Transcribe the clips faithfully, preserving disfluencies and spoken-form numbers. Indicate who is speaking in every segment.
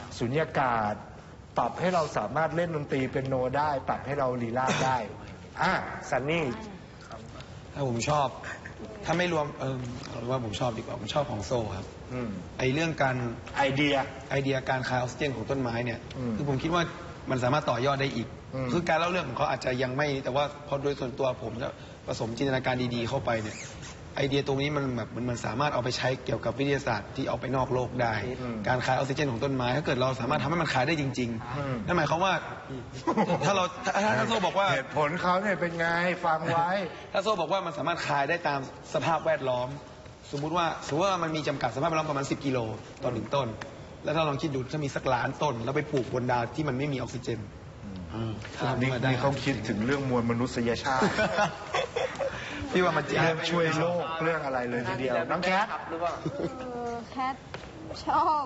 Speaker 1: สุญญากาศปรับให้เราสามารถเล่นดนตรีเป็นโนได้ปรับให้เราลีลาดได้อ่ะซันนี่
Speaker 2: ถ้าผมชอบถ้าไม่รวมเออเอาว่าผมชอบดีกว่าผมชอบของโซ่ครับไอเรื่องการ
Speaker 1: ไอเดีย
Speaker 2: ไอเดียการคายออกซิเจนของต้นไม้เนี่ยคือผมคิดว่ามันสามารถต่อยอดได้อีกคือการเล่าเรื่องของเขาอาจจะยังไม่แต่ว่าพอโดยส่วนตัวผมจะผสมจินตนาการดีๆเข้าไปเนี่ยไอเดียตรงนี้มันแบบมันสามารถเอาไปใช้เกี่ยวกับวิทยาศาสตร์ที่เอาไปนอกโลกได้การคายออกซิเจนของต้นไม้ถ้าเกิดเราสามารถทำให้มันคายได้จริงๆนั่นหมายความว่าถ้าเราถ้าโซ่บอกว่า
Speaker 1: เหตุผลเขาเนี่ยเป็นไงฟังไว้
Speaker 2: ถ้าโซ่บอกว่ามันสามารถคายได้ตามสภาพแวดล้อมสมมุติว่าสมมติว่ามันมีจำกัดสภาพแวดล้อมประมาณสิบกิโลต่อหนึ่งต้นแล้วถ้าลองคิดดูถ้ามีสักล้านต้นแล้วไปปลูกบนดาวที่มันไม่มีออกซิเจน
Speaker 1: นี่นี่เขาคิดถึงเรื่องมวลมนุษยชาติ
Speaker 2: พี่ว่ามันจะ
Speaker 1: เรื่องช่วยโลกเรื่องอะไรเลยทีเดียวน้องแคท
Speaker 3: แคทชอบ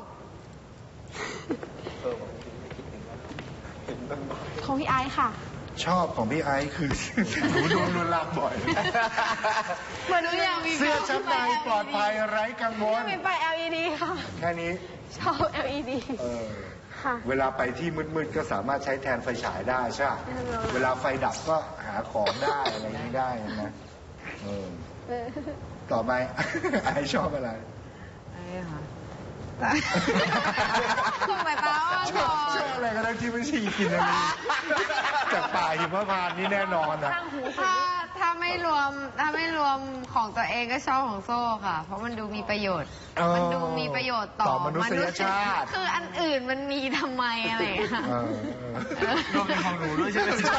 Speaker 3: ของพี่ไอซ์ค่ะ
Speaker 1: ชอบของพี่ไอซ์คือหนูโดนลวนลามบ่อย
Speaker 3: เหมือนหนูอยากมี
Speaker 1: เสื้อชั้นในปลอดภัยไร้กังวล
Speaker 3: ไม่ไป แอล อี ดี ค่ะ
Speaker 1: แค่นี้
Speaker 3: ชอบ แอล อี ดี
Speaker 1: เวลาไปที่มืดๆก็สามารถใช้แทนไฟฉายได้ใช่ไหมเวลาไฟดับก็หาของได้อะไรนี้ได้นะต่อไปไอชอบอะไร
Speaker 3: ไอค่ะคือหมายความว่า
Speaker 1: ชอบชอบอะไรก็ได้ที่ไม่ใช่กินอะไรจากป่าหิมพานต์นี่แน่นอนนะ
Speaker 3: ถ้าถ้าไม่รวมถ้าไม่รวมของตัวเองก็ชอบของโซ่ค่ะเพราะมันดูมีประโยชน์มันดูมีประโยชน์ต่อ
Speaker 1: มนุษยชาติ
Speaker 3: คืออันอื่นมันมีทำไมอะไรค่ะ
Speaker 1: รวมเป็นของหนูด้วยใช่ไหมใช่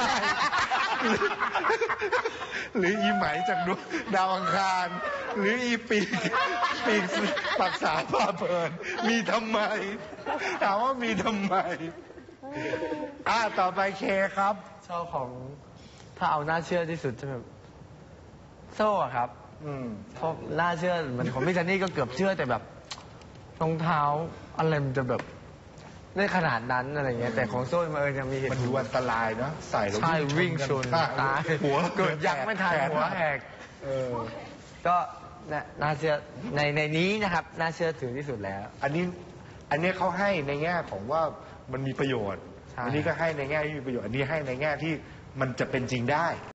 Speaker 1: หรืออีไหมจากดาวอังคารหรืออีปีกปีกปักษาผ้าเพลินมีทำไมถามว่ามีทำไมอ่าต่อไปเคครับ
Speaker 4: ชอบของถ้าเอาน่าเชื่อที่สุดจะแบบโซ่ครับอืมเพราะน่าเชื่อเหมือนของพี่จันนี่ก็เกือบเชื่อแต่แบบรองเท้าอะไรมันจะแบบได้ขนาดนั้นอะไรเงี้ยแต่ของโซ่มันเออยังมีเหตุ
Speaker 1: มันดูอันตรายเนาะใส่แล้ว
Speaker 4: วิ่งชนตาย
Speaker 1: หัว
Speaker 4: เกิดยักไม่ทันหัวแหกก็น่าเชื่อในในนี้นะครับน่าเชื่อถือที่สุดแล้ว
Speaker 1: อันนี้อันนี้เขาให้ในแง่ของว่ามันมีประโยชน์อันนี้ก็ให้ในแง่ที่มีประโยชน์อันนี้ให้ในแง่ที่มันจะเป็นจริงได้